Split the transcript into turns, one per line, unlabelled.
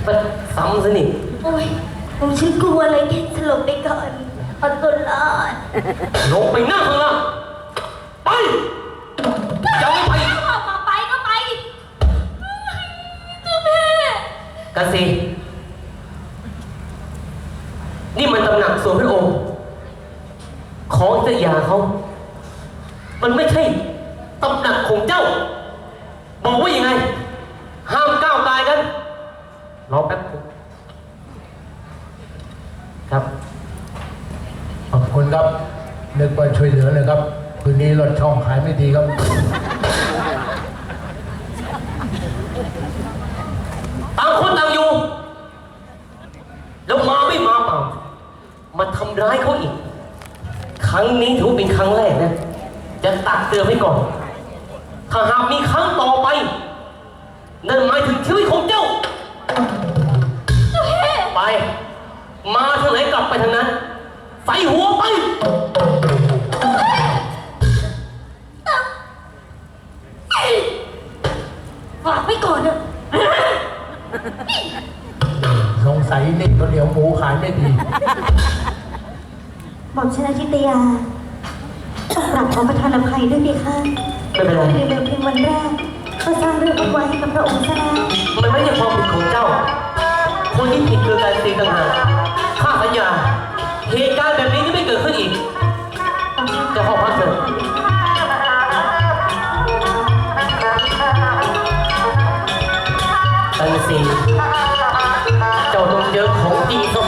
มันซ้ำซะนี่
โอ้ยผมฉันกลัวเลยแค่สลบไปก่อนเอาตัวรอด
ลงไปนั่งข้างล่างไปจะไม่ไป
บอกมาไปก็ไปเจ้าแม่
กันสินี่มันตำหนักส่วนพระองค์ของเจ้าหยาเขามันไม่ใช่ตำหนักของเจ้าบอกว่ายังไงห้ามก้าวกายกันรอแป๊บครับ
ขอบคุณครับนึกว่าช่วยเหลือเลยครับคืนนี้รถช่องขายไม่ดีครับ
ต่างคนต่างอยู่แล้วมาไม่มาเปล่ามาทำร้ายเขาอีกครั้งนี้ถือว่าเป็นครั้งแรกนะจะตักเตือนไว้ก่อนถ้าหากมีครั้งต่อไปนั่นหมายถึงชีวิตของเจ้าไปมาทางไหนกลับไปทางนั้นใส่หัวไป
ฝากไว้ก่อนเถอะ
สงสัยนี่ข้าวเหนียวหมูขายไม่ดี
บอกฉันอาทิตยากลับขอประทานอภัยด้วยดีค่ะ
ไม่เป็นไร
ในเดิมเพียงวันแรกก็สร้างเรื่องเอาไว้ให้กับพระองค์ซะแล้ว
มันไม่ใช่ความผิดของเจ้า คนที่ผิดคือการตีต่างหากข้าสัญญาเหตุการณ์แบบนี้ที่ไม่เกิดขึ้นอีกเจะเข้าพักเถอะตันสีเจ้าต้องเจอของจริงซะ